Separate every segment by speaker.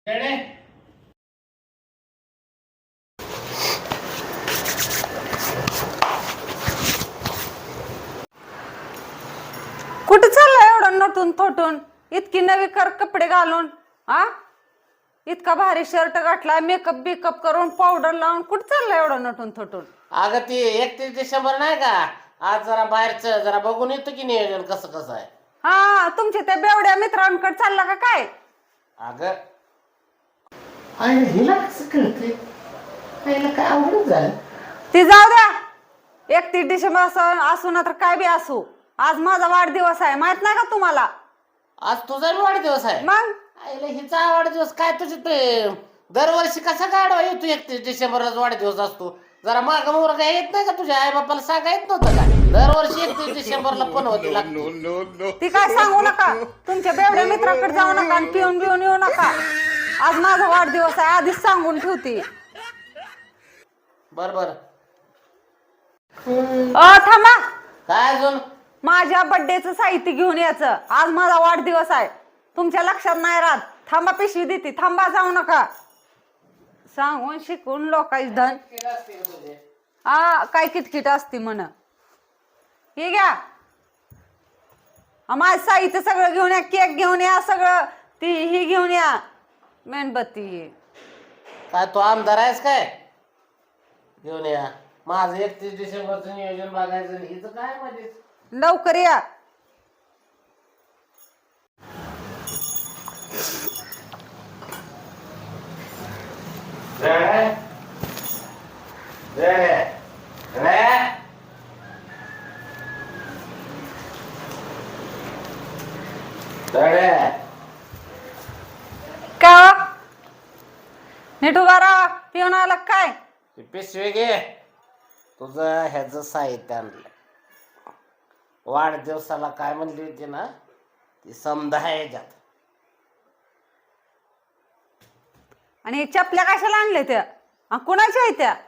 Speaker 1: कुठे चाललाय एवढं नटून थोटून इतकी नवी कपडे घालून? हा, इतका भारी शर्ट घातलाय, मेकअप बिकअप करून पावडर लावून कुठे चाललाय एवढं नटून थोटून?
Speaker 2: अगं ती 31 डिसेंबर नाही का, आज जरा बाहेरचं जरा बघून येतो की नियोजन कसं कसं आहे.
Speaker 1: हा, तुमच्या त्या बेवड्या मित्रांकडे चालला का काय?
Speaker 2: अगं हिला कसं कळते, काय अवघड झालं.
Speaker 1: ती जाऊ द्या, 31 डिसेंबर असू ना तर काय बी असू, आज माझा वाढदिवस आहे, माहित नाही का तुम्हाला?
Speaker 2: आज तुझा वाढदिवस आहे.
Speaker 1: मग
Speaker 2: आईला हिचा वाढदिवस काय तुझे ते दरवर्षी कसा काढवा येतो 31 डिसेंबरलाच वाढदिवस असतो. जरा माग मोर काय येत नाही का तुझ्या आई बापाला सांगा येत नव्हतं का दरवर्षी 31 डिसेंबरला पण होती लागते.
Speaker 1: ती काय सांगू नका, तुमच्या बेवड्या मित्राकडे जाऊ नका आणि पिऊन बिऊन येऊ नका. आज माझा वाढदिवस आहे, आधीच सांगून ठेवते.
Speaker 2: बर बर
Speaker 1: थांबा,
Speaker 2: काय अजून?
Speaker 1: माझ्या बर्थडेचं साहित्य घेऊन यायचं, आज माझा वाढदिवस आहे. तुमच्या लक्षात नाही राहत. थांबा, पिशवी देते, थांबा, जाऊ नका. सांगून शिकून लोकांची धन. हा, काय किटकिट असते म्हण. हे घ्या, माझं साहित्य सगळं घेऊन या, केक घेऊन या, सगळं ती ही घेऊन या, मेणबत्ती.
Speaker 2: काय तू आमदार आहेस काय? घेऊन या. माझं 31 डिसेंबरचं नियोजन बघायचं, हिचं काय म्हणजे.
Speaker 1: लवकर या. का नीट उभा राहा, पिऊन आला काय?
Speaker 2: पिशवी घे, तुझं ह्याचं साहित्य आणलं. वाढदिवसाला काय म्हणली होती ना, ती समजा आहे ह्याच्यात.
Speaker 1: आणि चपल्या कशाला आणल्या त्या? कुणाच्या आहेत त्या?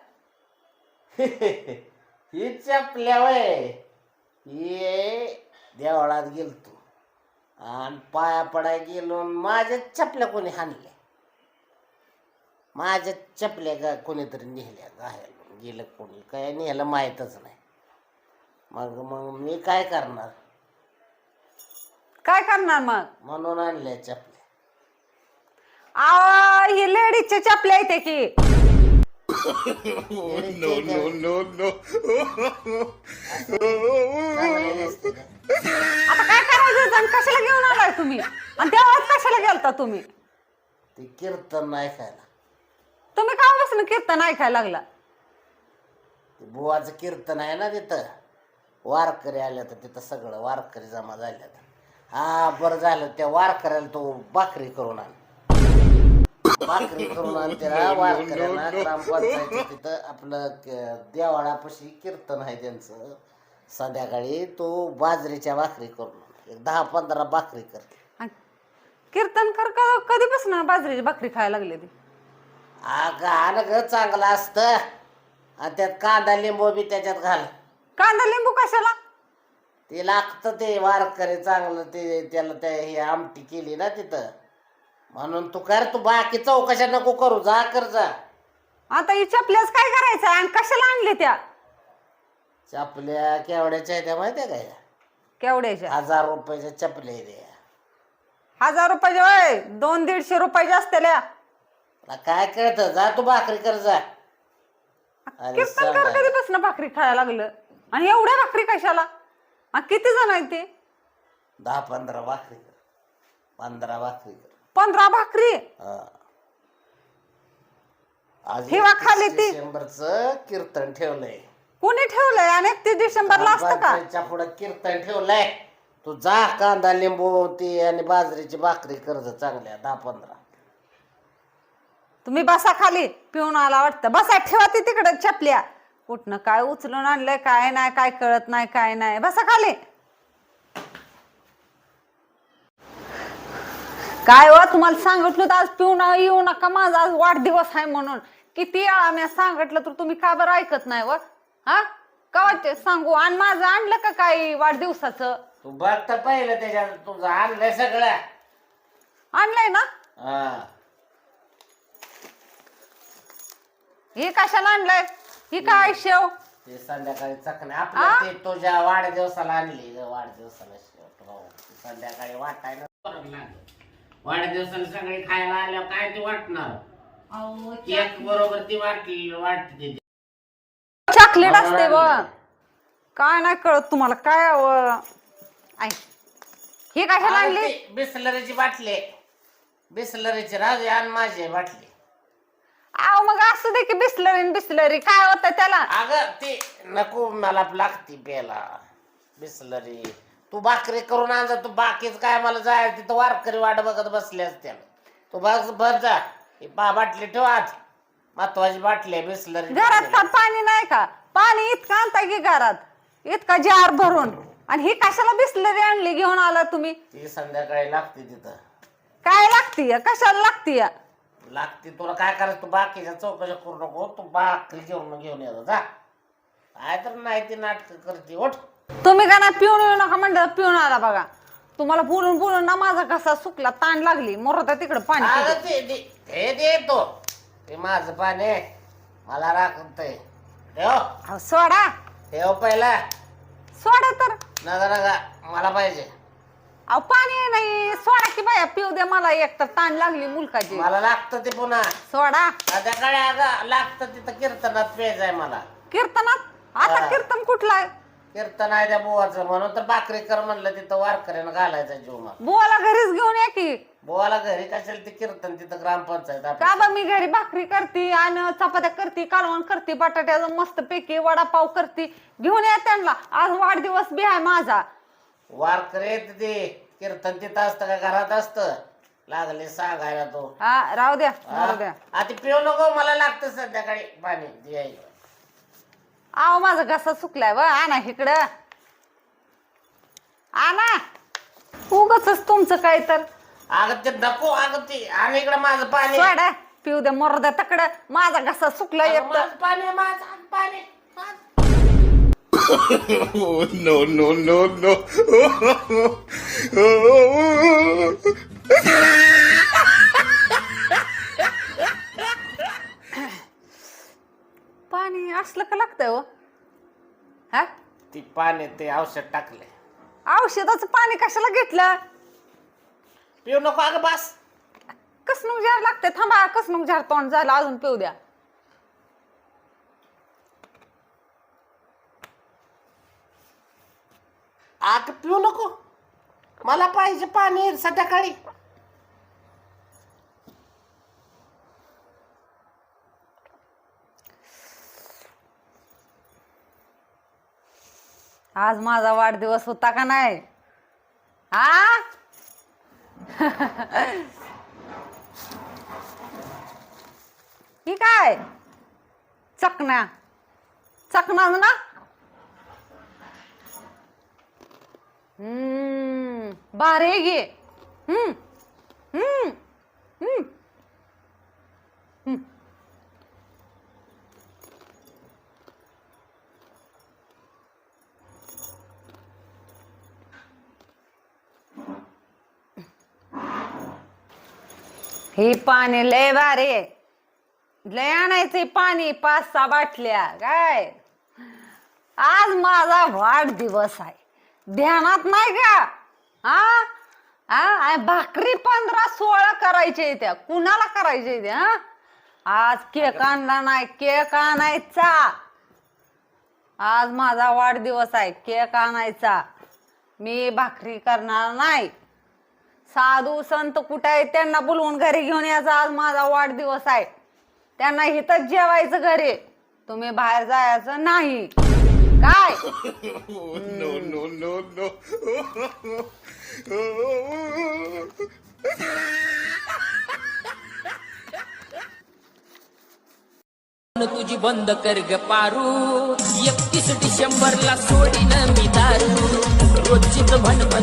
Speaker 2: ही चपल्या वय ही देवळात गेलतो आणि पाया पडाय गेलो, माझ्या चपल्या कोणी हाणल्या, माझ्या चपल्या का कोणीतरी नेहल्या, गायला गेलं कोणी काय नेहलं माहीतच नाही. मग मग मी काय करणार?
Speaker 1: काय करणार मग?
Speaker 2: म्हणून आणल्या चपल्या.
Speaker 1: ही लेडीजच्या चपल्या येते की. आता काय करायचं, कशाला घेऊन आलाय तुम्ही? आणि देवळात कशाला गेलता तुम्ही?
Speaker 2: ते कीर्तन ऐकायला.
Speaker 1: तुम्ही का बसून कीर्तन ऐकायला लागला?
Speaker 2: ते बुवाचं कीर्तन आहे ना तिथं, वारकरी आल्या तर तिथं सगळं वारकरी जमा झाल्या. हा बरं झालं, त्या वारकऱ्याला तो भाकरी करून आण, भाकरी करून आण त्याला वारकऱ्यांना. ग्रामपंचायत तिथं आपलं देवाळापाशी कीर्तन आहे त्यांचं, संध्याकाळी तो बाजरीच्या भाकरी करून 10-15 भाकरी कर.
Speaker 1: कीर्तन कर कधीपासून बाजरीची भाकरी खायला लागली ती?
Speaker 2: गाणं ग चांगलं असतं, आणि त्यात कांदा लिंबू बी त्याच्यात घाल.
Speaker 1: कांदा लिंबू कशाला?
Speaker 2: ते लागतं, ते वारकरी चांगलं, ते त्याला त्या ही आमटी केली ना तिथं, म्हणून तू कर. तू बाकी चौकशा नको करू, जा कर जा.
Speaker 1: आता ही चपल्याच काय करायचं आणि कशाला आणले त्या?
Speaker 2: चपल्या केवढ्याच्या आहेत त्या माहितीये काय?
Speaker 1: केवढ्याच्या?
Speaker 2: 1000 रुपयाच्या चपल्या आहेत.
Speaker 1: 1000 रुपयाच्या? वय 200-150 रुपयाच्या असतेल्या.
Speaker 2: काय कळतं, जा तू भाकरी कर जा.
Speaker 1: कीर्तन कर कधीपासून भाकरी खायला लागलं, आणि एवढ्या भाकरी कशाला? किती जण आहेत ते?
Speaker 2: 10-15 भाकरी कर, 15 भाकरी कर.
Speaker 1: 15 भाकरी?
Speaker 2: आज
Speaker 1: ठेवा खाली ती.
Speaker 2: डिसेंबरचं कीर्तन ठेवलंय.
Speaker 1: कोणी ठेवलंय? आणि 31 डिसेंबरला असतं का?
Speaker 2: पुढे कीर्तन ठेवलंय. तू जा, कांदा लिंबू ती आणि बाजरीची भाकरी कर जा चांगल्या 10-15.
Speaker 1: तुम्ही बसा खाली, पिऊन आला वाटतं. बसा, ठेवा ती तिकडे चपल्या. कुठनं काय उचलून आणलंय, काय नाही, काय कळत नाही, काय नाही. बसा खाली. काय व तुम्हाला सांगितलं तर आज पिऊन येऊ नका, माझा आज वाढदिवस आहे म्हणून. किती वेळा मी सांगितलं तर तुम्ही का बरं ऐकत नाही? व हा का वाटते सांगू? आणि माझं आणलं का काही वाढदिवसाचं?
Speaker 2: तू बघ तर पहिलं त्याच्यात, तुझं आणलंय सगळं.
Speaker 1: आणलंय ना? हे कशाला आणलंय? ही काय शेव?
Speaker 2: ते संध्याकाळी चकण्या आपल्या ते तुझ्या वाढदिवसाला आणली ग, वाढदिवसाला शेवट भाऊ. संध्याकाळी वाटायला वाढदिवसाला सगळे खायला आल्यावर काय ते वाटणार? केक बरोबर ती वाटते
Speaker 1: चॉकलेट असते ब. काय नाही कळत तुम्हाला काय हे कशाला आणली?
Speaker 2: बिसलरीची बाटली, बिसलरीची राजू आण माझी बाटली.
Speaker 1: आव मग असू दे की बिस्लरी बिस्लरी काय होतं त्याला?
Speaker 2: अगं ते नको मला लागती प्यायला बिसलरी. तू भाकरी करून आण जा, तू बाकीच काय मला जायचं तिथं वारकरी वाट बघत बसले असते. तू बघ जा बाटली ठेव आत, महत्वाची बाटली आहे बिसलरी.
Speaker 1: घरात का पाणी नाही का? पाणी इतकं आणता की घरात, इतका जार भरून. आणि ही कशाला बिस्लरी आणली घेऊन आला तुम्ही?
Speaker 2: ती संध्याकाळी लागते तिथं.
Speaker 1: काय लागतीय? कशाला लागतीय?
Speaker 2: लागते तुला काय करायचं? तू बाकीच्या चौकशा करू नको, तू भाकरी घेऊन येतो जा. काय तर नाही ती नाटक करते. उठ.
Speaker 1: तुम्ही का ना पिऊन येऊ नका म्हणलं, पिऊन आला बघा. तुम्हाला बोलून बोलून ना माझा कसा सुकला, ताण लागली. मोरता तिकडे पाणी पिते.
Speaker 2: हे देतो ते माझं पाणी मला राखतय. ठेव
Speaker 1: सोडा,
Speaker 2: ठेव पहिला.
Speaker 1: सोडा तर.
Speaker 2: नका मला पाहिजे.
Speaker 1: अहो पाणी नाही, सोडा की बाया, पिऊ दे मला. एक तर ताण लागली मुलकाची.
Speaker 2: मला लागतं ते पुन्हा
Speaker 1: सोडा.
Speaker 2: संध्याकाळी अगं लागतं तिथं कीर्तनात प्यायचंय मला.
Speaker 1: कीर्तनात? आता कीर्तन कुठलं आहे?
Speaker 2: कीर्तन आहे त्या बुवाचं, म्हणून तर भाकरी कर म्हणलं तिथं वारकऱ्यानं घालायचा जीव मला.
Speaker 1: बुवाला घरीच घेऊन या की.
Speaker 2: बुवाला घरी कशाला ते कीर्तन तिथं ग्रामपंचायत आपली.
Speaker 1: का बा मी घरी भाकरी करते आणि चपात्या करते, कालवण करते, बटाट्याचं मस्त पैकी वडापाव करते. घेऊन या त्यांना. आज वाढदिवस बी आहे माझा.
Speaker 2: वारकरी येत ते कीर्तन तिथं असतं का घरात असतं? लागले सांगायला तो.
Speaker 1: हा राहू द्या, राहू द्या.
Speaker 2: आता पिऊ नको, मला लागतं संध्याकाळी पाणी द्यायला.
Speaker 1: आव माझा घसा सुकलाय व. आणा इकडं, आणा. उगाच तुमचं काय तर.
Speaker 2: अगं ते नको, अगं ते आणि इकडं माझं पाणी.
Speaker 1: सोडा, पिऊ द्या मरू द्या तकडं. माझा घसा सुकला
Speaker 2: अगं
Speaker 1: एक तर.
Speaker 2: माझं पाणी, माझं पाणी.
Speaker 3: No, no, no, no.
Speaker 1: पाणी असलं का लागतंय हो? हा,
Speaker 2: ती पाणी ते औषध टाकले.
Speaker 1: औषधाचं पाणी कशाला घेतलं?
Speaker 2: पिऊ नको अगं बस.
Speaker 1: कसणूक झाड लागते. थांबा, कसणूक झाड तोंड झालं, अजून पिऊ द्या.
Speaker 2: अगं पिऊ नको, मला पाहिजे पाणी संध्याकाळी.
Speaker 1: आज माझा वाढदिवस होता का नाही? हा ही काय चकना चकना ना? भारी आहे गे. हे पाणी लय भारी आहे. लय आणायचंय पाणी, 5-6 बाटल्या. काय आज माझा वाढदिवस आहे, ध्यानात नाही का? हा भाकरी 15-16 करायचे त्या. कुणाला करायचे त्या? आज केक आणला नाही, केक आणायचा. आज माझा वाढदिवस आहे, केक आणायचा. मी भाकरी करणार नाही. साधू संत कुठे आहेत त्यांना बोलवून घरी घेऊन यायचं. आज माझा वाढदिवस आहे, त्यांना इथंच जेवायचं घरी. तुम्ही बाहेर जायचं नाही. काय?
Speaker 3: No, no, no, no.
Speaker 4: तुझी बंद कर ग पारू. 31 डिसेंबरला सोडीन मी दारू. रोजचीच भन